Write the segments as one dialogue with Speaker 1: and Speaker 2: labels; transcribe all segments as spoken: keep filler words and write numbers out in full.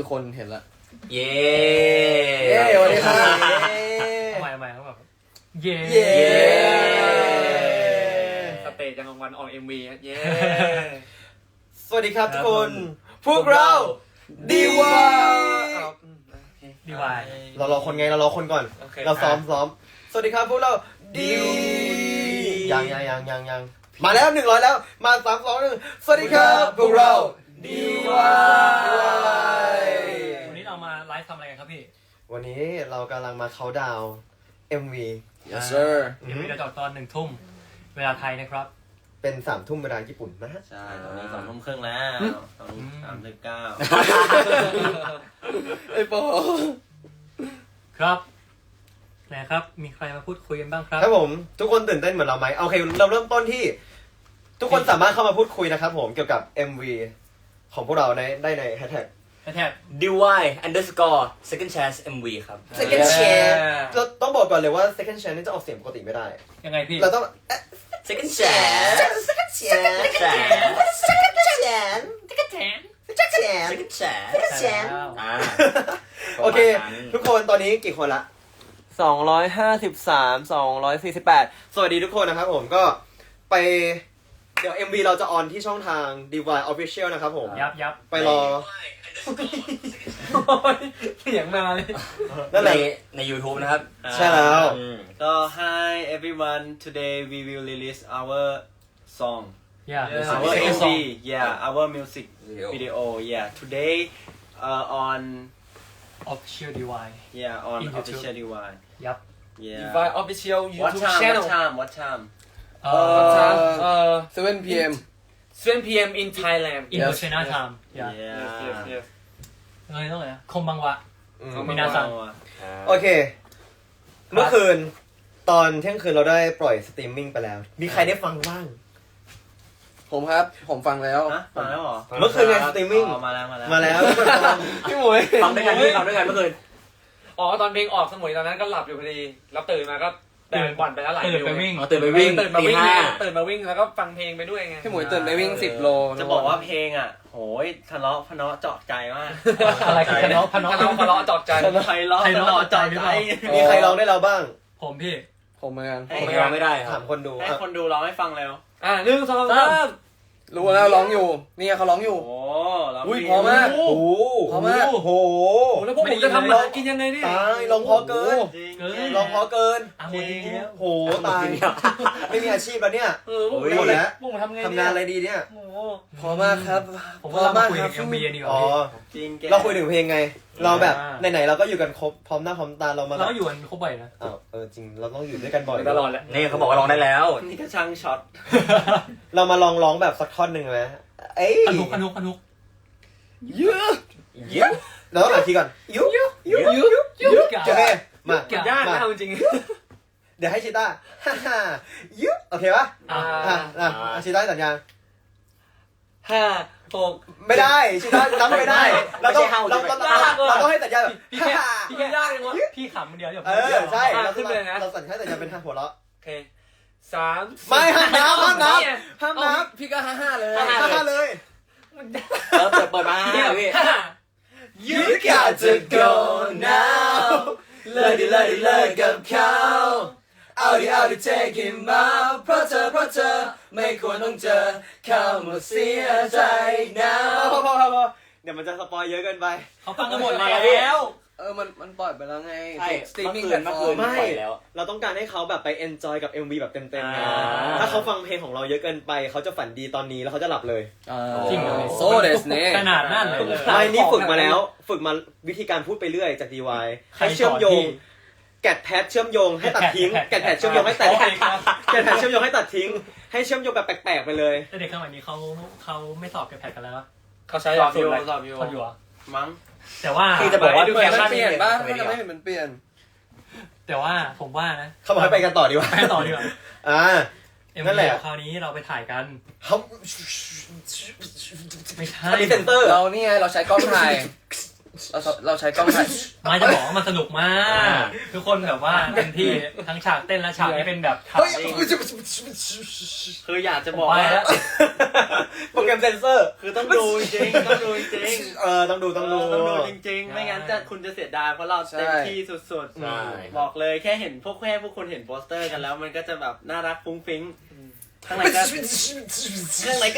Speaker 1: คือคนเห็นละ
Speaker 2: เย้
Speaker 1: เย้สวัสดีครับ
Speaker 3: ทำไมทำไมเขาแบบเย้
Speaker 2: สเตจจังกลางวันออกเอ็มวีเย้
Speaker 1: สวัสดีครับทุกคนพวกเราดีวาย
Speaker 3: ดีวาย
Speaker 1: เรารอคนไงเรารอคนก่อนเราซ้อมซ้อมสวัสดีครับพวกเราดียังยังยังยังยังมาแล้วหนึ่งร้อยแล้วมาสามสองหนึ่งสวัสดีครับพวกเราดีวาย
Speaker 3: วันนี้เรามาไลฟ์ทำอะไรกันครับพี่
Speaker 1: วันนี้เรากำลังมาเขาดาว เอ็ม วี
Speaker 3: yes sir เดี๋ยวเราจะตอนหนึ่งทุ่มเวลาไทยนะครับ
Speaker 1: เป็นสามทุ่มเวลาญี่ปุ่นนะฮะ
Speaker 2: ใช่ตอนนี้สองทุ่มครึ่งแล้วสองทุ่มสามสิบเก้า
Speaker 1: ไอ้โป
Speaker 3: ครับนะครับมีใครมาพูดคุยกันบ้างครับ
Speaker 1: ครับผมทุกคนตื่นเต้นเหมือนเราไหมโอเคเราเริ่มต้นที่ทุกคนสามารถเข้ามาพูดคุยนะครับผมเกี่ยวกับ เอ็ม วี ของพวกเราในได้ในแฮชแท็ก
Speaker 3: แฮชแท็ก
Speaker 2: ดี วาย underscore second chance เอ็ม วี ครับ
Speaker 1: second chance เราต้องบอกก่อนเลยว่า second chance นี่จะออกเสียงปกติไม่ได้
Speaker 3: ยังไงพี่
Speaker 1: เราต้อง
Speaker 2: second chance
Speaker 1: second chance
Speaker 2: second chance
Speaker 1: second chance second chance
Speaker 2: second chance
Speaker 1: second chance
Speaker 2: อ่า
Speaker 1: โอเคทุกคนตอนนี้กี่คนละสองร้อยห้าสิบสาม สองร้อยสี่สิบแปดสวัสดีทุกคนนะครับผมก็ไปเดี๋ยว เอ็ม วี เราจะออนที่ช่องทาง ดี วาย Official นะครับผม
Speaker 3: ยับยับ
Speaker 1: ไปรอ
Speaker 3: เสียงมาเลย
Speaker 1: นั่นแหละ
Speaker 2: ใน YouTube นะครับ
Speaker 1: ใช่แล้ว
Speaker 4: ก็ Hi everyone today we will release our song
Speaker 3: yeah
Speaker 4: our เอ็ม วี yeah our music video yeah today uh, on
Speaker 3: official ดี วาย
Speaker 4: yeah on official ดี วาย
Speaker 3: ยับ
Speaker 4: yeah
Speaker 2: ดี วาย Official
Speaker 4: what
Speaker 2: YouTube
Speaker 4: time
Speaker 2: channel
Speaker 4: what time what time
Speaker 3: เอ่อ
Speaker 1: seven พี เอ็ม
Speaker 2: seven พี เอ็ม in Thailand
Speaker 3: in China time yeah
Speaker 4: yeah
Speaker 3: เอ้ยต้องเลยคมบังวะมีนาซัง
Speaker 1: โอเคเมื่อคืนตอนเที่ยงคืนเราได้ปล่อยสตรีมมิ่งไปแล้วมีใครได้ฟังบ้างผมครับผมฟังแล้ว
Speaker 4: มาแล้วเหรอ
Speaker 1: เมื่อคืนไงสตรีมมิ่ง
Speaker 4: มาแล้วมาแล้ว
Speaker 1: มาแล้วพี่หมวย
Speaker 2: ฟังด้วยกันพี่ฟังด้วยกันเมื่อคืน
Speaker 5: อ๋อตอนเพลงออกสมุยตอนนั้นก็หลับอยู่พอดีแล้วตื่นมาก็ตื่นบ่อนไปแล้วหลาย
Speaker 3: ตื่นไปวิ่ง
Speaker 2: ตื่นไปวิ่ง
Speaker 5: ตื่นมาวิ่งตื่นมาวิ่งแล้วก็ฟังเพลงไปด้วยไง
Speaker 1: พี่หมวยตื่นไปวิ่งสิบโล
Speaker 4: จะบอกว่าเพลงอ่ะโหยทะเลาะพะเนาะเจาะใจมาก
Speaker 3: อะไรกันพะเนาะพะเนาะ
Speaker 5: ทะเลาะทะเลาะจอดใจ
Speaker 4: ทะเลาะทะเลาะเจาะใจ
Speaker 1: มีใครร้องได้เราบ้าง
Speaker 3: ผมพี่
Speaker 1: ผมเหมือนกัน
Speaker 2: ผมร้องไม่ได้ค
Speaker 1: ถามคนดู
Speaker 4: ให้คนดูร้องให้ฟังแล้ว
Speaker 5: อ่ะหนึ่งสองสาม
Speaker 1: รู้แล้วร้องอยู่นี่เขาร้องอยู่
Speaker 4: โอ้
Speaker 1: อุ้ยพอมากโอ้พอมากโอ้โห
Speaker 5: แล้วพวกผมจะทำมากินยังไงนี่
Speaker 1: ตายร้องพอเกินร้องพอเกิน
Speaker 3: จริง
Speaker 1: โหตายไม่มีอาชีพแล้วเนี่ย
Speaker 5: เออพวกผม
Speaker 1: แล้ว
Speaker 5: พวกผมทำไง
Speaker 1: ทำงานอะไรดีเนี่ยพอมากครับ
Speaker 3: ผมว่าเราคุยกับ เอ็ม วี ดีกว่า
Speaker 1: จริงเราคุยถึงเพลงไงเราแบบไหนๆเราก็อยู่กันครบพร้อมหน้าพร้อมตาเรามา
Speaker 3: เราอยู่กันครบบ่อยนะ
Speaker 1: อ้าวเออจริงเราต้องอยู่ด้วยกันบ่อย
Speaker 5: ตลอดแหละ
Speaker 2: นี่เขาบอกว่าร้องได้แล้ว
Speaker 4: นี่ก็ช่างช็อต
Speaker 1: เรามาลองร้องแบบสักท่อนหนึ่งไหมเอ้ย
Speaker 3: อนุกอนุกอนุก
Speaker 1: เยอะเยอะเราต้องอ่านทีก่อนยุยุยุยุยุโอเคมาย
Speaker 5: ากนะเอาจริง
Speaker 1: เดี๋ยวให้ชิต้าฮ่าฮ่ายุโอเคปะอ่าอ่าชิต้าสัญญาณ
Speaker 5: ห้าหก
Speaker 1: ไม่ได้ชิต้าจำไม่ได้เราต้องเราต้องเราต้องให้สัญญาณแบบ
Speaker 5: พี่แค่พี่แค่ยากเลยวะ
Speaker 3: พี่ขำเดียวเดี๋ยว
Speaker 1: เออใช่เราขึ้นเลยนะเราสัญญาณสัญญาณเป็นทางหัวเราะ
Speaker 5: โอเคสาม
Speaker 1: ไม่ห้ามน้ำห้ามน้ำห้ามน้
Speaker 5: ำพี่ก็ห้าห้าเลย
Speaker 1: ห้าห้าเลย
Speaker 2: เออเปิดเปิดมาพี่
Speaker 1: You got to go now เลิกดิเลิกดิเลิกกับเขาเอาดิเอาดิ take him out เพราะเธอเพราะเธอไม่ควรต้องเจอเขาหมดเสียใจ now พอพอพอพอเดี๋ยวมันจะสปอยเยอะเกินไป
Speaker 3: เขาฟังกันหมดแล้ว
Speaker 1: เออมันมันปล่อยไปแล้วไง
Speaker 2: สตรีมมิ่งกันเมื่อคืน
Speaker 1: ไม่เราต้องการให้เขาแบบไป enjoy กับ เอ็ม วี แบบเต็มๆไงถ้าเขาฟังเพลงของเราเยอะเกินไปเขาจะฝันดีตอนนี้แล้วเขาจะหลับเลย
Speaker 3: จริงเลย
Speaker 1: โซเดสเน่
Speaker 3: ขนาดนั้นเลย
Speaker 1: ไม่นี่ฝึกมาแล้วฝึกมาวิธีการพูดไปเรื่อยจาก ดี วาย ให้เชื่อมโยงแกะแพทเชื่อมโยงให้ตัดทิ้งแกะแพทเชื่อมโยงให้ตัดแกะแพทเชื่อมโยงให้ตัดทิ้งให้เชื่อมโยงแบบแปลกๆไปเลย
Speaker 3: แต่เด็กสมัยนี้เขาเขาไม่สอบแกะแพทกันแล้ว
Speaker 5: เขาใช้
Speaker 4: สอบอยู่
Speaker 5: สอบอยู่
Speaker 3: สอบอยู่
Speaker 4: มั้ง
Speaker 3: แต่ว่า
Speaker 2: คือจะบอกว่า
Speaker 5: ดูแฟชั่น
Speaker 1: เปลี่ยนป่ะไม่เห็นมันเปลี่ยน
Speaker 3: แต่ว่าผมว่านะ
Speaker 1: เขาบอกให้ไปกันต่อดีกว่า
Speaker 3: ไปต่อดีกว่า
Speaker 1: อ่า
Speaker 3: นั่นแหละคราวนี้เราไปถ่ายกัน
Speaker 1: เขา
Speaker 3: ไม่ใช่
Speaker 1: มีเซนเตอร์
Speaker 4: เรานี่ไงเราใช้กล้องถ่าย
Speaker 1: เราเราใช้กล้องถ่าย
Speaker 3: มาจะบอกว่ามันสนุกมาก ทุกคนแบบว่าเต็มที่ทั้งฉากเต้นและฉากที่เป็นแบบฉาก
Speaker 1: เฮ้ย
Speaker 4: คืออยากจะบอก
Speaker 3: ไป
Speaker 4: ว่า
Speaker 3: แล้ว
Speaker 1: โปรแกรมเซนเซอร์
Speaker 4: คือต้องดูจริงๆต้องดูจริง
Speaker 1: เออต้องดู
Speaker 4: ๆ
Speaker 1: ต้องดู
Speaker 4: ต้องดูจริงๆ ไม่งั้นจะคุณจะเสียดายเพราะเราเต็มที่สุด
Speaker 2: ใช่
Speaker 4: ๆ บอกเลยแค่เห็นพวกแค่พวกคุณเห็นโปสเตอร์กันแล้วมันก็จะแบบน่ารักฟุ้งฟิ้งข้างในก็ข้างในก็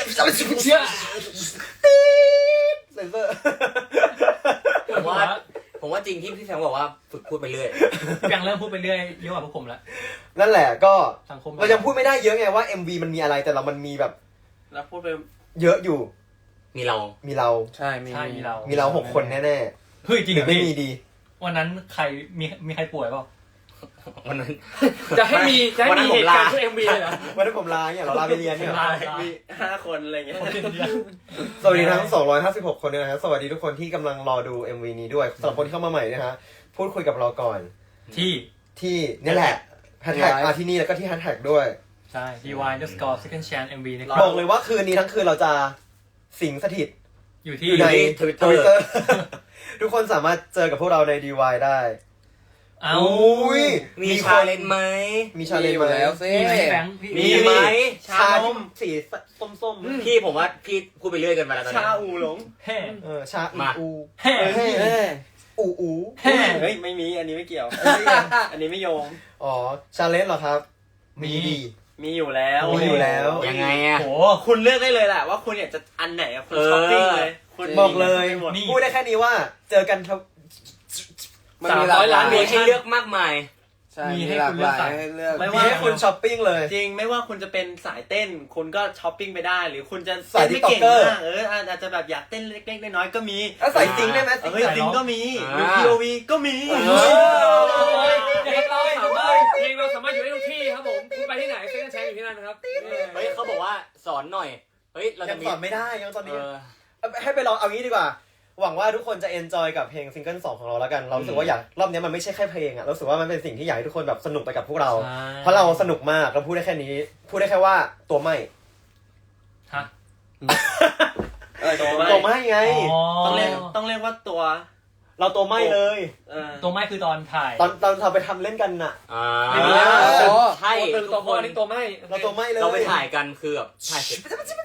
Speaker 1: เซนเซอร์
Speaker 6: ผมว่าผมว่าจริงที่พี่แฟงบอกว่าฝึกพูดไปเรื่อย
Speaker 3: ยังเริ่มพูดไปเรื่อยเยอะกว่าพวกผมแล้ว
Speaker 1: นั่นแหละก็
Speaker 3: สังคม
Speaker 1: เรายังพูดไม่ได้เยอะไงว่า เอ็ม วี มันมีอะไรแต่เรามันมีแบบ
Speaker 4: แล้วพูดไป
Speaker 1: เยอะอยู่
Speaker 6: มีเรา
Speaker 1: มีเรา
Speaker 2: ใช่มี
Speaker 3: ใช่มีเรา
Speaker 1: มีเราหกคนแน่
Speaker 3: เฮ้ยจ
Speaker 1: ๆ
Speaker 3: ริง
Speaker 1: ห
Speaker 3: เห
Speaker 1: รื
Speaker 3: ร
Speaker 1: อ
Speaker 3: อ
Speaker 1: ไม่
Speaker 3: พี่
Speaker 1: มีดี
Speaker 3: วันนั้นใครมีมีใครป่วยเปล่า
Speaker 6: วันนั้น
Speaker 5: จะให้มีจะให้
Speaker 6: วันนั้
Speaker 5: มี
Speaker 6: นผม
Speaker 5: เหตุการณ์
Speaker 6: ลา
Speaker 5: ช่วยเอ็มวีเลยเหรอ
Speaker 1: วันนั้นผมลาเนี่ยเราลาไปเรียนเนี่ย
Speaker 3: ลา
Speaker 4: มีห้าคนอะไรเงี้ย
Speaker 1: สวัสดีทั้งสองร้อยห้าสิบหกคนด้วยนะครับสวัสดีทุกคนที่กำลังรอดู เอ็ม วี นี้ด้วยสำหรับคนที่เข้ามาใหม่นะฮะพูดคุยกับเราก่อน
Speaker 3: ที่
Speaker 1: ที่นี่แหละแฮชแท็กมาที่นี่แล้วก็ที่แฮชแท็กด้วย
Speaker 3: ใช่ ดี วาย underscore second chance เอ็ม วี นะค
Speaker 1: บ
Speaker 3: รั
Speaker 1: อบ กเลยว่าคืนนี้ทั้งคืนเราจะสิงสถิต
Speaker 3: อยู่
Speaker 1: อ
Speaker 3: ที่
Speaker 1: ยู่ใน
Speaker 6: Twitter
Speaker 1: Twitter ทุกคนสามารถเจอกับพวกเราใน ดี วาย ได้
Speaker 3: เอ้า
Speaker 1: อุ้ย
Speaker 6: มี
Speaker 1: มี
Speaker 6: ชา
Speaker 1: คน
Speaker 6: เลนไหม
Speaker 1: มีชาเลนจ์ไหม
Speaker 2: แล้วสิ
Speaker 3: มีไหมแบงค์พี่
Speaker 6: มีไหม
Speaker 1: ชาที่สีส้มๆ
Speaker 6: พี่ผมว่าพี่พูดไปเรื่อยเกินไปแล้วตอน
Speaker 4: ชา
Speaker 6: นี้
Speaker 4: อูหลง
Speaker 3: แฮ่
Speaker 1: เออชาอู
Speaker 6: มา
Speaker 1: อู
Speaker 3: แฮ่
Speaker 1: เฮ้ย
Speaker 2: เอ้ย
Speaker 1: อูอู
Speaker 3: แฮ่
Speaker 4: เฮ้ยไม่มีอันนี้ไม่เกี่ยว อันนี้ไม่โยง
Speaker 1: อ๋อชาเลนจ์เหรอครับ มีดี
Speaker 4: มีอยู่แล้ว
Speaker 1: มีอยู่แล้ว
Speaker 6: ยังไงอะ
Speaker 3: โห
Speaker 4: คุณเลือกได้เลยแหละว่าคุณอยากจะอันไหนอะคุณช้อปปิ้งเลยคุณ
Speaker 1: บอกเลย
Speaker 4: มีหมด
Speaker 3: นี่
Speaker 1: พูดได้แค่นี้ว่าเจอกันครับ
Speaker 2: มันมีหลากหลาย
Speaker 6: มีให้เลือกมากมาย
Speaker 2: ใช่
Speaker 3: มี
Speaker 2: มี
Speaker 3: ให้
Speaker 2: หลา
Speaker 3: คุ
Speaker 2: ก
Speaker 3: ณ
Speaker 2: ห
Speaker 3: เลือก
Speaker 2: ลาย
Speaker 3: สาย
Speaker 2: ให้เลือก
Speaker 4: ไม่
Speaker 1: มี
Speaker 4: ว่า
Speaker 1: ให้คุณช้อปปิ้งเลย
Speaker 4: จริงไม่ว่าคุณจะเป็นสายเต้น คุณก็ช้อปปิ้งไปได้ หรือคุณจะ
Speaker 1: สาย
Speaker 4: เต้นไม่เก่ง
Speaker 1: TikToker
Speaker 4: มากเอออาจจะแบบอยากเต้นเล็กๆน้อยๆก็มี
Speaker 1: แล้วใส่จริงได้ไหม
Speaker 4: เออจริงก็มีหรือ
Speaker 6: อ่า
Speaker 4: พี โอ วี ก็มี
Speaker 6: เอ
Speaker 5: เพลงเราสามารถเพลงเราสามารถอยู่ได้ทุกที่ครับผมคุณไปที่ไหนเซ็นแชร์อยู่ที่นั่นนะครับ
Speaker 6: เฮ้ยเขาบอกว่าสอนหน่อย เฮ้ยเรา
Speaker 1: ยั
Speaker 6: จะ
Speaker 1: ง
Speaker 6: มี
Speaker 1: สอนไม่ได้ยังตอน
Speaker 6: เอ
Speaker 1: นี้
Speaker 6: อ
Speaker 1: ให้ไปลองเอางี้ดีกว่า หวังว่าทุกคนจะเอนจอยกับเพลงซิงเกิลสองของเราแล้วกัน เรารู้สึกว่าอยากรอบนี้มันไม่ใช่แค่เพลงอะเรารู้สึกว่ามันเป็นสิ่งที่อยากให้ทุกคนแบบสนุกไปกับพวกเรา
Speaker 3: ใช่
Speaker 1: เพราะเราสนุกมากเราพูดได้แค่นี้ พูดได้แค่ว่าตัวไม่
Speaker 3: ฮะ
Speaker 4: เออตัวไม่
Speaker 1: ตัวไม่ไง
Speaker 4: ต้องเรียกต้องเรียกว่าตัว
Speaker 1: เราตัวไม่เลย
Speaker 4: เออ
Speaker 3: ตัวไม่คือตอนถ่าย
Speaker 1: ตอนตอนเราไปทำเล่นกันน่ะ
Speaker 6: อ่า
Speaker 1: ไม่มีแล้ว
Speaker 6: ใช่
Speaker 5: ตัวตึงตัวโคอันนี้ตัวไม่
Speaker 1: เราตัวไม่เลย
Speaker 6: เราไปถ่ายกันคือแบบถ่ายเสร็จ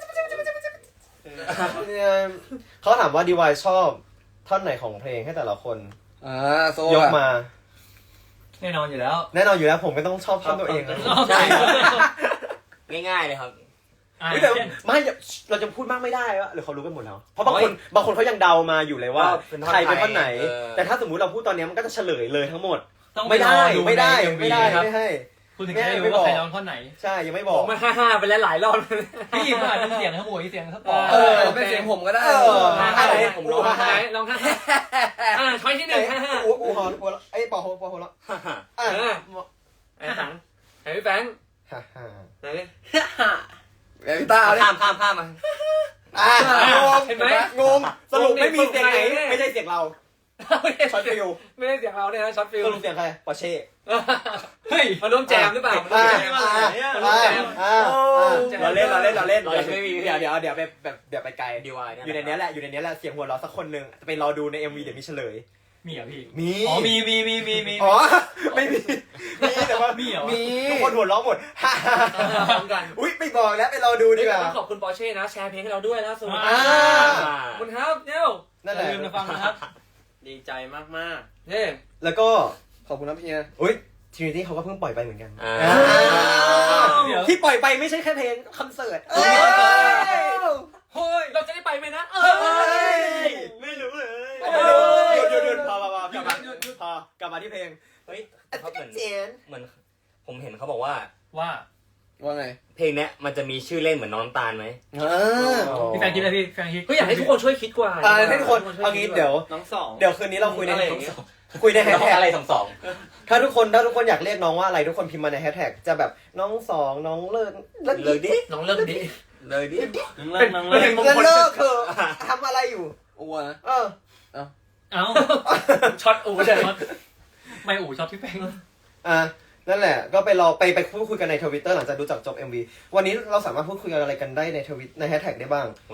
Speaker 1: เนี่ยเขาถามว่าดีวายชอบท่อนไหนของเพลงให้แต่ละคน
Speaker 2: อ่าโซ
Speaker 1: ยก
Speaker 2: อะ
Speaker 1: มา
Speaker 3: แน่นอนอยู่แล้ว
Speaker 1: แน่นอนอยู่แล้วผมก็ต้องชอบท่อนตัวเองนะ
Speaker 6: ใช่ ง่ายๆเลยครับ
Speaker 3: อ่า
Speaker 1: เฮ้ยแต่
Speaker 3: เช่น
Speaker 1: ไม่เราจะพูดมากไม่ได้วะหรือเขารู้กันหมดแล้ว เพราะบางคนบางคนเขายังเดามาอยู่เลยว่า
Speaker 6: ว่าเป็นท่อน
Speaker 1: ใครเป็นท่อนไหน
Speaker 6: เออ
Speaker 1: แต่ถ้าสมมุติเราพูดตอนนี้มันก็จะเฉลยเลยทั้งหมด
Speaker 3: ต้องป
Speaker 1: ไม่ได้
Speaker 3: รอ
Speaker 1: ไม่ได้
Speaker 3: ใน เอ็มวี
Speaker 1: ไม่ได้
Speaker 3: นะครับ
Speaker 1: ไม่ให้
Speaker 3: คุณถึงจะได้รู้ว่าใครร้องท่อนไหน
Speaker 1: ใช่ยังไม่บ
Speaker 5: ผ
Speaker 1: อก
Speaker 5: มมาห้าห้าไปแล้วหลายรอบ
Speaker 3: พี่มันอาจจะเสียงทั้งหมดเสียงทั้งปอ
Speaker 2: เออเป็นเสียงผมก็ได้
Speaker 1: เออ
Speaker 5: ห้า
Speaker 1: ห้า
Speaker 5: ห้า
Speaker 1: ไหน
Speaker 5: ผมลองห้าห้าลองห้าห้าอ่าช้อยที่หนึ่งห้าห้า
Speaker 1: อูอูฮอนอูไอ้ยปอโฮปอโฮแล้วอ่ะ
Speaker 5: เออไอ้ถังไอ้พี่แฟง
Speaker 1: ฮ่าฮ่า
Speaker 5: ไหนดิ
Speaker 2: เดี๋ยวพี่ต้าเอาดิ
Speaker 6: ข้ามข้ามข้ามมา
Speaker 1: อ่ะงง
Speaker 5: เห็นไหม
Speaker 1: งงสรุปไม่มีเสียงไหนไม่ใช่เสียงเราช็อตฟิว
Speaker 5: ไม่ได้เสียงเราเนี่ยนะช็อตฟิล
Speaker 1: สรุปเสียงใครปอเช่
Speaker 3: เฮ้ย
Speaker 5: มาร่วมแจมหรือเปล่า
Speaker 1: อ่า
Speaker 5: มาร่วมแจม
Speaker 1: อ่า
Speaker 5: มาร่วมแจม
Speaker 1: อ่าเราเล่นเราเล่นเราเล่น
Speaker 6: เรายังไม่มี
Speaker 1: เดี๋ยวเดี๋ยวเดี๋ยวไปแบบเดี๋ยวไปไกล
Speaker 6: ดีวาย
Speaker 1: อยู่ในเนี้ยแหละอยู่ในเนี้ยแหละเสียงหัวเราะสักคนหนึ่งไปรอดูใน เอ็ม วี เดี๋ยวมีเฉลย
Speaker 3: มีเหรอพี่
Speaker 1: มี
Speaker 3: อ๋อมีมีมีมีมี
Speaker 1: อ๋อไม่มีมีแต่ว่า
Speaker 3: มีเหรอ
Speaker 1: มีทุกคนหัวเราะหมด
Speaker 5: พร้อมกัน
Speaker 1: อุ้ยไม่บอกแล้วไปรอดูดีกว่า
Speaker 5: ต้องขอบคุณปอร์เช่นะแชร์เพลงให้เราด้วยล่าสุด
Speaker 1: อ่า
Speaker 5: ขอบคุณครับเย้ว
Speaker 1: นั่น
Speaker 3: อ
Speaker 1: แหละ
Speaker 3: ย่าลืมมาฟังนะครับ
Speaker 4: ดีใจมาก
Speaker 5: เย้
Speaker 1: แล้วก็
Speaker 2: ขอบคุณนะพี่นะ
Speaker 1: อุ้ยทรินิตี้เขาก็เพิ่งปล่อยไปเหมือนกัน
Speaker 6: อ่า
Speaker 3: เดี๋ยว
Speaker 1: ที่ปล่อยไปไม่ใช่แค่เพลงคอนเสิร์ตเอ้ย
Speaker 5: เฮ้ยเราจะได้ไปไหมนะเอ
Speaker 1: เอ้
Speaker 5: อย
Speaker 4: ๆ ไม่รู้เลย
Speaker 1: หยุดหยุดหยุดพอพอพอกลับมาพอกลับมาที่เพลง
Speaker 6: เฮ้ยเขาเหมือน
Speaker 1: เจน
Speaker 6: เหมือนผมเห็นเขาบอกว่า
Speaker 3: ว่า
Speaker 2: ว่าไง
Speaker 6: เพลงเนี้ยมันจะมีชื่อเล่นเหมือนน้องน้ำตาลไหม
Speaker 1: อ่า
Speaker 3: พี่แฟนคิดอะไรพี่แฟนคิด
Speaker 5: ก็อยากให้ทุกคนช่วยคิดกว่า
Speaker 1: อ่าให้ทุกคนเอางี้เดี๋ยว
Speaker 4: น้องสอง
Speaker 1: เดี๋ยวคืนนี้เราคุยใน
Speaker 5: อะไรอย่างเงี้ย
Speaker 1: คุยในแฮช
Speaker 6: น้อง
Speaker 1: แท็ก
Speaker 6: อะไรสองสอง
Speaker 1: ถ้าทุกคนถ้าทุกคนอยากเรียกน้องว่าอะไรทุกคนพิมพ์มาในแฮชแท็กจะแบบน้องสองน้องเลิศเลิศ
Speaker 6: เลยดิ
Speaker 5: น้องเลิกดิ
Speaker 6: เลยดิ
Speaker 4: น้องเลิกน้องเลิก
Speaker 1: เลิศเลิกเถอะทำอะไรอยู่
Speaker 2: อ้วนนะ
Speaker 1: เออ
Speaker 3: เอ้า
Speaker 5: ช็อตอูเลย
Speaker 3: ช็อตไม่อู๋ช็อตพี่แฟง
Speaker 1: อ่ะนั่นแหละก็ไปรอไปไปพูดคุยกันในทวิตเตอร์หลังจากดูจากจบ เอ็ม วี วันนี้เราสามารถพูดคุยกันอะไรกันได้ในทวิตในแฮชแท็กได้บ้าง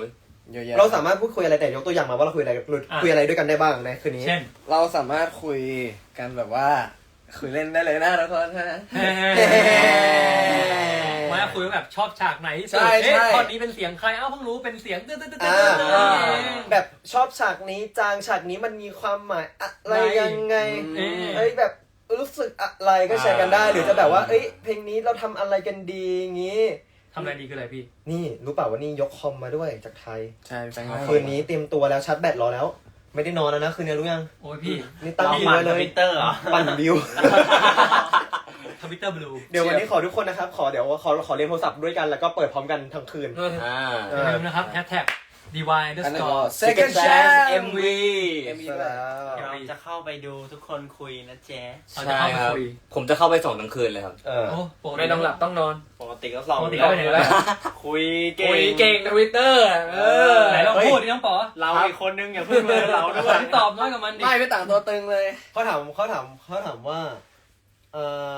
Speaker 1: เยอะแยะ
Speaker 7: เราสามารถพูดคุยอะไรแต่ยกตัวอย่างมาว่าเราคุยอะไรคุยอะไรด้วยกันได้บ้างในคืนนี้
Speaker 3: เช่น
Speaker 1: เราสามารถคุยกันแบบว่าคุยเล่นได้เลยนะทุกคนฮะ
Speaker 3: มาคุยว่าแบบชอบฉากไหนที่สุด
Speaker 1: ใช่ใช่
Speaker 3: เอ๊ะตอนนี้เป็นเสียงใครเอ้าเพิ่งรู้เป็นเสียงตึ๊ดตึ๊ดตึ๊ดตึ๊
Speaker 7: อ่า
Speaker 3: ด
Speaker 7: แบบชอบฉากนี้จางฉากนี้มันมีความหมายอะไรยังไง
Speaker 3: เอ๊ะ
Speaker 7: เอ้ยแบบรู้สึกอะไรก็แชร์กันได้ หรือจะแบบว่าเอ้ยเพลงนี้เราทำอะไรกันดีงี้
Speaker 3: ทำอะไรดีคืออะไรพี่
Speaker 7: นี่รู้เปล่าว่านี่ยกคอมมาด้วยจากไทย
Speaker 1: ใช่แฟน
Speaker 7: คืนนี้เตรียมตัวแล้วชาร์จแบตรอแล้ว ไม่ได้นอนแล้วนะคืนนี้รู้ยัง
Speaker 3: โอ้ยพี่
Speaker 7: นี่ตั้ง
Speaker 4: เรา
Speaker 7: บิว
Speaker 4: หมั่น
Speaker 7: ไว้
Speaker 4: ท
Speaker 7: เลย
Speaker 4: วิตเตอร์เหรอ
Speaker 7: ปั่นบิว
Speaker 3: ทวิตเตอร์บลู
Speaker 7: เดี๋ยววันนี้ขอทุกคนนะครับ ขอเดี๋ยวขอขอเรียนโทรศัพท์ด้วยกันแล้วก็เปิดพร้อมกันทั้งคืน
Speaker 6: อ่า
Speaker 3: อย่าลืมนะครับแฮชแท็ก ดี วาย underscore
Speaker 1: Second Chance
Speaker 6: เอ็มวี
Speaker 7: ใช่แล้ว
Speaker 4: เราจะเข้าไปดูทุกคนคุยนะแจ๊
Speaker 3: เราจะ
Speaker 6: ใช่
Speaker 3: เข้าไป
Speaker 6: ครับ
Speaker 3: คุย
Speaker 6: ผมจะเข้าไปส่งทั้งคืนเลยครับ
Speaker 7: เออ
Speaker 3: โอ้ปกติ
Speaker 5: ไม่ต้องหลับต้องนอน
Speaker 4: ปกติก็สอง
Speaker 3: ปกติ
Speaker 4: แล้
Speaker 3: ก็
Speaker 4: ว
Speaker 3: ไปไหนแล้ว
Speaker 4: คุยเก่
Speaker 5: คุย
Speaker 4: ง
Speaker 5: เก่งทวิตเตอร์เออ
Speaker 3: ไหนลองพูดดิน้องป๋อ
Speaker 4: เราอีกคนนึงอย่าเพิ่งเลยเราด้วย
Speaker 3: ตอบน้อยกับมันดิ
Speaker 1: ไม่ไม่ต่างตัวตึงเลย
Speaker 7: เขาถามเขาถามเขาถามว่าเอ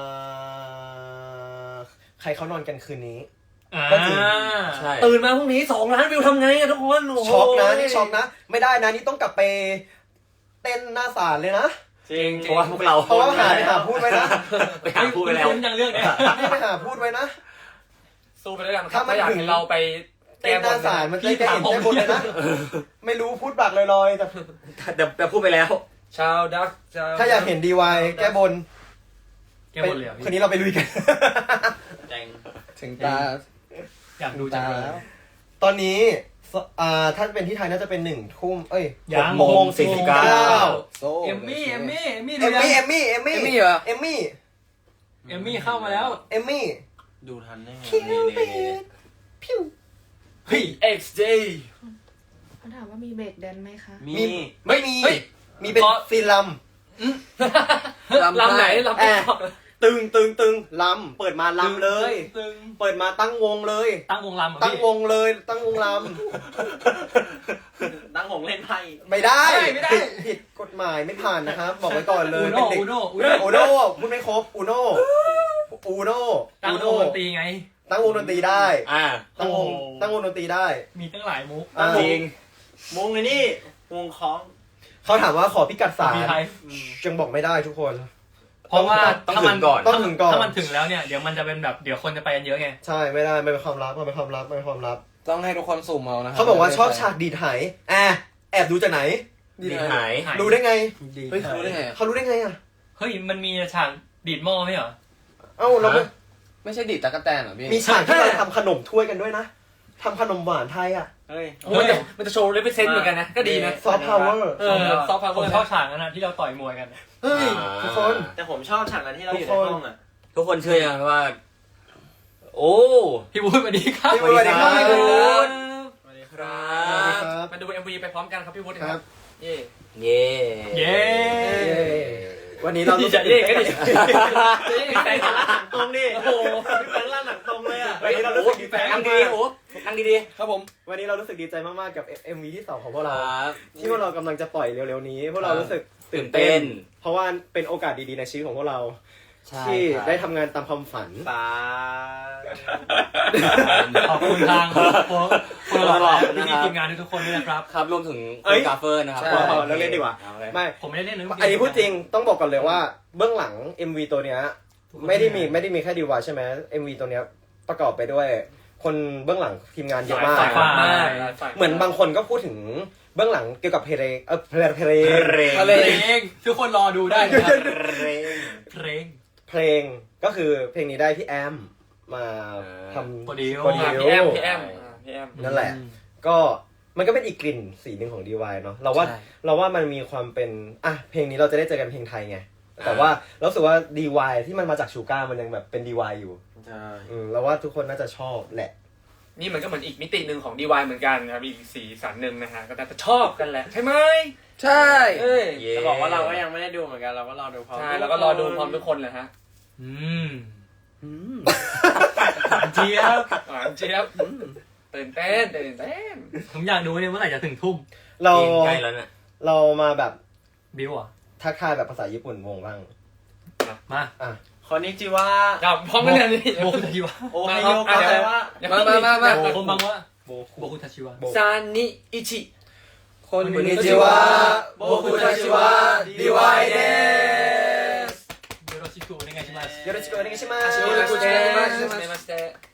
Speaker 7: อใครเขานอนกันคืนนี้
Speaker 3: อ่า
Speaker 7: ก็จริง
Speaker 6: ใช่
Speaker 5: ตื่นมาพรุ่งนี้สองล้านวิวทำไงอะทุกคนโโห
Speaker 7: ช็อกนะนี่ช็อกนะ ไม่ได้นะนี่ต้องกลับไปเต้นหน้าศาลเลยนะ
Speaker 4: จริง
Speaker 6: เพราะว่าพวกเรา
Speaker 7: เพราะว่าหาไปหาพูดไว้นะ
Speaker 6: ไปหาพูดไปแล้ว
Speaker 3: คุ้นๆจังเรื่องเนี้ย
Speaker 7: นี่ไปหาพูดไว้นะ
Speaker 5: สู้ไปด้วยกันค
Speaker 7: ถ้า
Speaker 5: รับ
Speaker 7: มัน
Speaker 5: ถ้าอยาก
Speaker 7: ถึง
Speaker 5: เห็นเราไป
Speaker 7: เต้นหน้าศาลมันจะได้เห็นแค่บนเลยนะ ไม่รู้พูดปากลอยๆแต่
Speaker 6: เดี๋ยวจะพูดไปแล้ว
Speaker 5: ชาวดักชาว
Speaker 7: ถ้าอยากเห็นดีวายแก้บน
Speaker 3: แกหมดเลยเหรอ
Speaker 7: คืน
Speaker 3: พี่
Speaker 7: นี้เราไปลุยกัน
Speaker 4: แจง
Speaker 1: ถึงตา
Speaker 3: อยากดูจังเลย
Speaker 7: ตอนนี้สอ่าถ้าเป็นที่ไทยน่าจะเป็นหนึ่งทุ่มเอ้ย
Speaker 3: ยัง
Speaker 7: หกโมงสี่สิบเก้า
Speaker 1: โซ่
Speaker 3: เอมมี่เอมมี่เอมมี่
Speaker 7: เอ
Speaker 3: ดู
Speaker 7: ม
Speaker 3: ยัง
Speaker 7: มี่เอมมี่เอมมี่
Speaker 1: เอมมี่เหรอ
Speaker 7: เอมมี่
Speaker 3: เอมมี่เข้ามาแล้ว
Speaker 7: เอมมี่
Speaker 4: ดูทันได้ไง
Speaker 7: คิวปิดพิว
Speaker 3: เฮ้ย
Speaker 5: เอ็กซ์เจ
Speaker 8: เขาถามว่ามีเบรกแดนไหมคะ
Speaker 4: มี
Speaker 7: ไม่มี
Speaker 5: เฮ้ย
Speaker 7: มีเป็น
Speaker 5: ขอ
Speaker 7: ซีนล
Speaker 5: ลำไหนลำติ๊กต็อก
Speaker 7: ำตึงตึงตึงลำเปิดมาลำเลย
Speaker 3: ตึง
Speaker 7: เปิดมาตั้งวงเลย
Speaker 3: ตั้งวงลำเหรอ
Speaker 7: ตั้ง
Speaker 3: พี่
Speaker 7: วงเลยตั้งวงล
Speaker 4: ตั้งหงเล่นไพ่
Speaker 7: ำไม่ได้
Speaker 3: ไม่ได้
Speaker 7: ผิดผิดกฎหมายไม่ผ่านนะครับ บอกไว้ก่อนเลย
Speaker 3: อู
Speaker 7: เป็
Speaker 3: โน่
Speaker 7: นเด็ก
Speaker 3: อูโน่อู
Speaker 7: อู
Speaker 3: โน่
Speaker 7: โน่พูดไม่ครบอูโน่อูโน่
Speaker 3: ตั้ง
Speaker 7: อู
Speaker 3: ว
Speaker 7: โน่
Speaker 3: งดนตรีไง
Speaker 7: ตั้งวงดนตรีได้
Speaker 6: อ่า
Speaker 7: ตั้งวงตั้งวงดนตรีได้
Speaker 3: มีตั้งหลายมุก
Speaker 7: อ่า
Speaker 6: จริง
Speaker 4: วงไอ้นี่วงคล้อง
Speaker 7: เขาถามว่าขอพิกัดสาร
Speaker 3: มีไทย
Speaker 7: ยังบอกไม่ได้ทุกคน
Speaker 3: เพราะว่า
Speaker 6: ต้อง
Speaker 3: ถ้า
Speaker 6: ถึ
Speaker 3: มัน
Speaker 6: งก่อน
Speaker 7: ต้องถึงก่อน
Speaker 3: ถ้ามันถึงแล้วเนี่ยเดี๋ยวมันจะเป็นแบบเดี๋ยวคนจะไปกันเยอะไง
Speaker 7: ใช่ไม่ได้มันเป็นความลับมันเป็นความลับมันเป็นความลับ
Speaker 1: ต้องให้ทุกคนสุ่มเอานะครั
Speaker 7: เขาบอกว่าชอบฉากดีดไหแอบแอบดูจากไหน
Speaker 6: ดีหาย
Speaker 7: รู้ได้ไง
Speaker 1: เฮ้ยเขารู้ได้ไงอะ
Speaker 7: เขารู้ได้ไงอ่ะ
Speaker 3: เฮ้ยมันมีฉากดีดหม้อไหมเหรอ
Speaker 7: เอ้าเราไม่
Speaker 1: ไม่ใช่ดีดตะกั่วแตนเหรอพี่
Speaker 7: มีฉากที่เราทำขนมถ้วยกันด้วยนะทำขนมหวานไทยอ่ะ
Speaker 4: เฮ้ย
Speaker 5: โอ้ยแต่มันจะโชว์เลเวลเซนต์เหมือนกันนะ ก็ดีนะ
Speaker 7: ซอฟต์พาวเวอร์
Speaker 5: เออซอฟต์พาวเว
Speaker 3: ผ
Speaker 5: อ
Speaker 3: ม
Speaker 5: ร์
Speaker 3: ชอบฉากนั้นนะที่เราต่อยมวยกัน
Speaker 7: เฮ้ยทุกคน
Speaker 4: แต่ผมชอบฉากนั้นที่เราอยู่ในห้องอ่ะ
Speaker 6: ทุกคนเชื่อยังว่า โอ้
Speaker 3: พี่บู๊ดสวัสดีครับ
Speaker 7: พี่บู๊ดสวัสดีครับ
Speaker 3: พี่บู๊ด
Speaker 4: สวัสดีค
Speaker 6: ค
Speaker 4: รั
Speaker 6: รับ
Speaker 7: ครับ
Speaker 5: มาดู เอ็ม วี ไปพร้อมกันครับพี่วุฒิ
Speaker 7: ค
Speaker 5: ค
Speaker 7: รั
Speaker 5: รั
Speaker 7: บบ
Speaker 5: เย่
Speaker 6: เย่
Speaker 3: เย้
Speaker 7: เย้วันนี้เรา
Speaker 3: ดีจะเย้ก็ดี
Speaker 4: พี่แฟนหนังตรงดิโอ้โหพี่แฟนล่าหนังตรงเลยอ่ะ
Speaker 7: วันนี้เรารู้สึกดีใจ
Speaker 6: นั่
Speaker 7: มาง
Speaker 6: ดี
Speaker 7: ก
Speaker 6: โอ้นั่งดี
Speaker 1: ครับผม
Speaker 7: ๆวันนี้เรารู้สึกดีใจมากๆกับ เอ็ม วี ที่สองของพวก
Speaker 6: ๆค
Speaker 7: เรา
Speaker 6: รับ
Speaker 7: ที่พวกเรากำลังจะปล่อยเร็วๆนี้ พวกเรารู้สึก
Speaker 6: ตื่นเต้น
Speaker 7: เพราะว่าเป็นโอกาสดีๆในชีวิตของพวกเรา
Speaker 6: ใช่
Speaker 7: ที่
Speaker 6: ครับ
Speaker 7: ได้ทำงานตามความฝัน
Speaker 4: สา
Speaker 3: ขอบคุณทางโค้ชโค้ชหล่อและพี่ๆทีมงานทุกๆคนด้วยนะครับ
Speaker 6: ครับรวมถึง
Speaker 7: เอ้
Speaker 6: คุ
Speaker 7: ย
Speaker 6: ณกาเฟอร์นะครับ
Speaker 7: ใช่เราเล่นดีกว่า
Speaker 6: อเลย
Speaker 7: ไม่
Speaker 3: ผมไม่ได้เล่นนะ
Speaker 7: อันนี้พูดจริงต้องบอกก่อนเลยว่าเบื้องหลัง เอ็ม วี ตัวเนี้ยไม่ได้มีไม่ได้มีแค่ดีวาใช่ไหม เอ็ม วี ตัวเนี้ยประกอบไปด้วย คนเบื้องหลังทีมงานเยอะมาก
Speaker 3: สายฟ้า
Speaker 7: เหมือนบางคนก็พูดถึงเบื้องหลังเกี่ยวกับเพลงเออเพลงเพลง
Speaker 6: เรง
Speaker 3: เพลงทุกคนรอดูได้นะครับ
Speaker 6: เรง
Speaker 3: เพลง
Speaker 7: เพลงก็คือเพลงนี้ได้พี่แอมมาทำ
Speaker 3: โปรดิว
Speaker 7: โปรดิว
Speaker 5: พี่แอมพี่แอมอ่าพี่แอม
Speaker 7: นั่นแหละ ก็มันก็เป็นอีกกลิ่นสีหนึ่งของ ดี วาย เนาะเราว่าเราว่ามันมีความเป็นอ่ะเพลงนี้เราจะได้เจอกันเพลงไทยไงแต่ว่าเราสึกว่า ดี วาย ที่มันมาจากชูก้ามันยังแบบเป็น ดี วาย อยู่
Speaker 4: ใช่
Speaker 7: อืมเราว่าทุกคนน่าจะชอบแหละ
Speaker 5: นี่มันก็เหมือนอีกมิติหนึ่งของ ดี วาย เหมือนกันครับอีกสีสันหนึ่งนะฮะก็น่าจะชอบกันแหละใช่ไหม
Speaker 1: ใช่
Speaker 5: เอ้ย
Speaker 6: เย่
Speaker 4: จะบอกว่าเราก็ยังไม่ได้ดูเหมือนกันเราก็รอดูพร้อม
Speaker 5: ใช่แล้วก็รอดูพร้อมทุกคนเลยฮะ
Speaker 3: อืมเจี๊ยบ
Speaker 5: หวานเจี๊ยบอืมตื่นเต้นตื่นเต้น
Speaker 3: ผมอยากดูเนี่ยเมื่อไหร่จะถึงทุ่ม
Speaker 7: เรา
Speaker 6: จริงใกล้แล้วเนี่ย
Speaker 7: เรามาแบบ
Speaker 3: บิวอ่ะ
Speaker 7: ทักทายแบบภาษาญี่ปุ่นวงบ้าง
Speaker 3: มา
Speaker 7: อ่ะ
Speaker 4: คนนี้จิว่า
Speaker 5: ครับพร้อมกันเลยนี่
Speaker 3: โบกทีวะ
Speaker 4: โอไฮโยก็แปลว่า
Speaker 5: อย่า
Speaker 1: มา
Speaker 5: เพิ่ง
Speaker 1: มามามา
Speaker 3: คนบางว่าโบคุทาชิวะ
Speaker 5: ซานิอิจิ
Speaker 1: คน
Speaker 7: こんにちは
Speaker 1: โบคุทาชิวะดีวายเดส
Speaker 3: โยโรชิคุโอเนไงชิมัส
Speaker 7: よろしくお願いします
Speaker 5: はじめましてはじめまして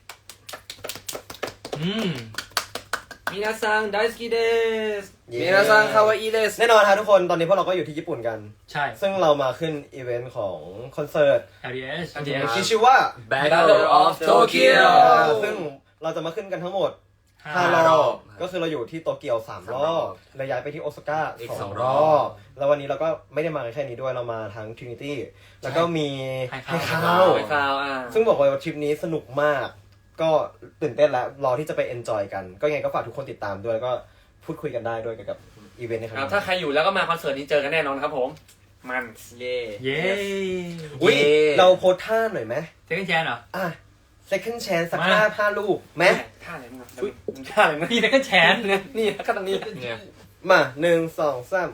Speaker 3: อืม
Speaker 5: 皆さん大好きです
Speaker 1: มินาซังคาวาอิเดส
Speaker 7: แน่นอนครับทุกคนตอนนี้พวกเราก็อยู่ที่ญี่ปุ่นกัน
Speaker 3: ใช่
Speaker 7: ซึ่งเรามาขึ้นอีเวนต์ของคอนเสิร์ต
Speaker 3: อาร์ดีเอส
Speaker 7: ที่ชื่อว่า
Speaker 1: Battle of Tokyo
Speaker 7: ซึ่งเราจะมาขึ้นกันทั้งหมด
Speaker 3: ห้า
Speaker 7: ห้าร ร
Speaker 1: อ
Speaker 7: อบ บก็คือเราอยู่ที่โตเกียวสามรอบแล้วย้ายไปที่โอซาก้า
Speaker 6: อีก
Speaker 7: ส
Speaker 6: ส
Speaker 7: อ
Speaker 6: อง ง
Speaker 7: ร
Speaker 6: ร
Speaker 7: อ
Speaker 6: อ
Speaker 7: บบ แล้ววันนี้เราก็ไม่ได้มากันแค่นี้ด้วยเรามาทั้ง Trinity แล้วก็มี
Speaker 3: ให้
Speaker 7: ให้
Speaker 3: ข้าว
Speaker 7: ข้าว
Speaker 5: ไปคราวอ่ะ
Speaker 7: ซึ่งบอกเลยว่าทริปนี้สนุกมาก ก็ตื่นเต้นแล้วรอที่จะไปเอนจอยกัน ก็ยังไงก็ฝากทุกคนติดตามด้วยแล้วก็พูดคุยกันได้ด้วยเกี่ยวกับอีเวนต์ในครั้ง
Speaker 5: ครับ
Speaker 7: นี้
Speaker 5: ถ้าใครอยู่แล้วก็มาคอนเสิร์ตนี้เจอกันแน่นอนครับผม มัน
Speaker 4: เย่
Speaker 3: เย้
Speaker 7: อุ๊ยเราโพสท่าหน่อยไหม
Speaker 3: เซคันด์แชนเหรอ
Speaker 7: อ่ะ second chance สัก
Speaker 3: มา
Speaker 7: ห้าห้าลูกไหม
Speaker 5: ท่าอะไรมึงอุ้ยท่าอะไรมึง
Speaker 3: พี่เซคันด์แชน
Speaker 5: นี่แล้วก็ตรงนี้
Speaker 6: เนี่ย
Speaker 7: มาหนึ่งสองสาม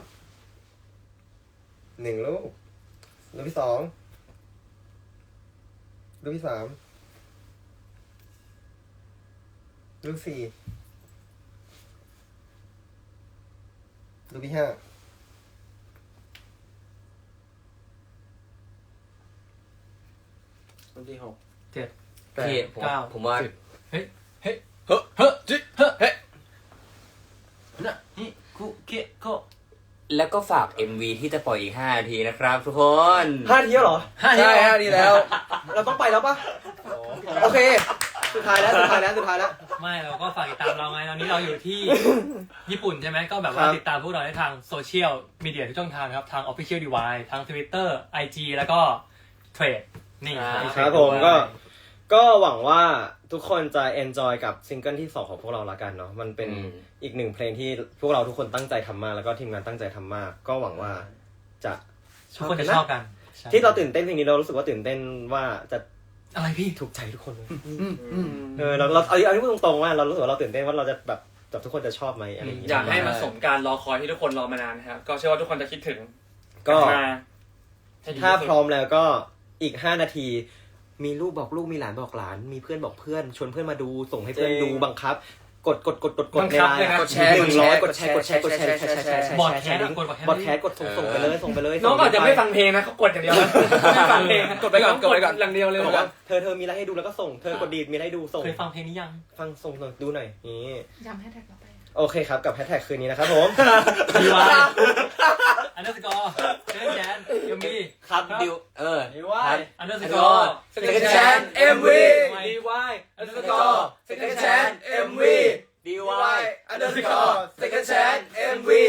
Speaker 7: หนึ่งลูกลูกที่สองลูกที่สามลูกสี่ลูกที่ห้า
Speaker 4: คนที่หก
Speaker 3: เจ็ด
Speaker 6: พี่ผม
Speaker 3: เก้า
Speaker 6: ผมว่า
Speaker 3: เฮ้ย
Speaker 1: เฮ้จิเฮ้
Speaker 2: นะฮิคุเกะโกะ
Speaker 6: แล้วก็ฝาก เอ็ม วี ที่จะปล่อยอีกห้านาทีนะครับทุกคน
Speaker 7: ห้าทีแล้วเหรอ
Speaker 3: ห้า
Speaker 1: ใช่ฮะดีแล้ว
Speaker 7: เราต้องไปแล้วปะโอเค สุดท้ายแล้วสุดท้ายแล้วสุดท้ายแล้ว
Speaker 3: ไม่เราก็ฝากติดตามเราไงตอนนี้เราอยู่ที่ ญี่ปุ่นใช่ไหมก็แบบว่า
Speaker 7: ครับ
Speaker 3: ติดตามพวกเราได้ทางโซเชียลมีเดียทุกช่องทางครับ ทาง Official Device ทาง Twitter ไอ จี แล้วก็เทรดนี่
Speaker 7: ครับผมก็ก็หวังว่าทุกคนจะ enjoy กับซิงเกิลที่สองของพวกเราละกันเนาะมันเป็น
Speaker 6: อืม
Speaker 7: อีกหนึ่งเพลงที่พวกเราทุกคนตั้งใจทำมากแล้วก็ทีมงานตั้งใจทำมาก ก็หวังว่าจะช
Speaker 3: ทุก
Speaker 7: อบ
Speaker 3: คน
Speaker 7: กั
Speaker 3: จะ
Speaker 7: น
Speaker 3: ช
Speaker 7: นะ
Speaker 3: อบกันใช่
Speaker 7: ที่เราตื่นเต้นเพลงนี้เรารู้สึกว่าตื่นเต้นว่าจะ
Speaker 3: อะไรพี่
Speaker 7: ถูกใจทุกคนเลยเออเราเราเอาเอาที่พูดตรงๆว่าเรารู้สึกว่าเราตื่นเต้นว่าเราจะแบบแบบทุกคนจะชอบไหมอะไรอย่างเงี้ย
Speaker 5: อยากให้มันสมการรอคอยที่ทุกคนรอมานานนะครับก็เชื่อว่าทุกคนจะคิดถึง
Speaker 7: ก็
Speaker 5: มาให้ดี
Speaker 7: ถ้า
Speaker 5: ที่สุด
Speaker 7: พร้อมแล้วก็อีกห้านาที มีลูกบอกลูกมีหลานบอกหลาน มีเพื่อนบอกเพื่อนชวนเพื่อนมาดูส่งให้เพื่อนดูบังคับ กดกดกดกดกดในไลน์
Speaker 1: กดแชร์
Speaker 7: หนึ่งร้อยก
Speaker 1: ก
Speaker 7: ด
Speaker 1: ด
Speaker 7: แช
Speaker 1: แชร์
Speaker 7: ร์กดแชร์กดแชร์แชร์แชร์แชร์แชร์
Speaker 3: บอดแค
Speaker 7: แช
Speaker 3: ส
Speaker 7: ร์ลิงก์
Speaker 3: กดบอดแคส
Speaker 7: บอดแคสกดส่งส่งไปเลยส่งไปเลย
Speaker 5: น้องก็อาจจะไม่ฟังเพลงนะเขากดอย่างเดียวนะไม่ฟังเพลงนะ
Speaker 1: กดไปก่อนกดไปก่อน
Speaker 5: อย่างเดียวเลย
Speaker 7: บอกว่าเธอเธอมีอะไรให้ดูแล้วก็ส่งเธอกดดีดมีอะไรให้ดูส่ง
Speaker 3: เคยฟังเพลงนี้ยัง
Speaker 7: ฟังส่งหน่อยดูหน่อยนี่
Speaker 8: จำให้แท็กเราไป
Speaker 7: โอเคครับกับแฮชแท็กคืนนี้นะครับผม
Speaker 3: ดีวายอันเดอร์สกอร์เซคันด์แชนยังมี
Speaker 6: ครับดิวเออ
Speaker 4: ดีว่า
Speaker 6: ครับ
Speaker 3: อันเดอร์สกอร์
Speaker 1: Second Chance เอ็ม วี
Speaker 5: ดีวาย
Speaker 1: underscore Second Chance เอ็ม วี
Speaker 6: ดีวา
Speaker 1: ดีวาย ย underscore Second Chance เอ็ม วี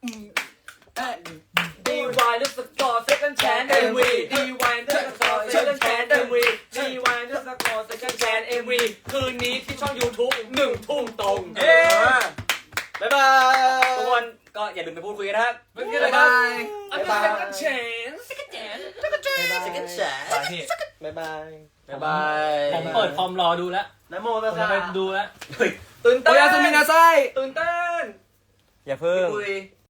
Speaker 5: ดีวายนึกสกอร์เซคันด์แชนเอ็มวีดีวายนึกสกอร์เซคันด์แชนเอ็มวีดีวายนึกสกอร์เซคันด์แชนเอ็มวีคืนนี้ที่ช่อง YouTube หนึ่งทุ่มตรง
Speaker 3: เอ๊ะ
Speaker 7: บ๊ายบาย
Speaker 6: ทุกคนก็อย่าลืมไปพูดคุยกันนะครับ
Speaker 5: บ๊ายบาย อันนี้เซคันด์แชน
Speaker 6: Second Chance
Speaker 3: ไปพี่
Speaker 7: บ๊ายบาย
Speaker 6: บ๊ายบาย
Speaker 3: ผมเปิดคอมรอดูแล้ว
Speaker 4: นะโม
Speaker 3: ผ
Speaker 4: ตั
Speaker 3: ม
Speaker 4: ส
Speaker 3: จะ
Speaker 4: สะ
Speaker 3: ไปดูแล้ว
Speaker 4: ตื่น
Speaker 1: โอ
Speaker 4: เต้น
Speaker 1: ยาสุมินาไซ
Speaker 5: ตื่นเต้น
Speaker 7: อย่าเพิ่ง
Speaker 6: คุย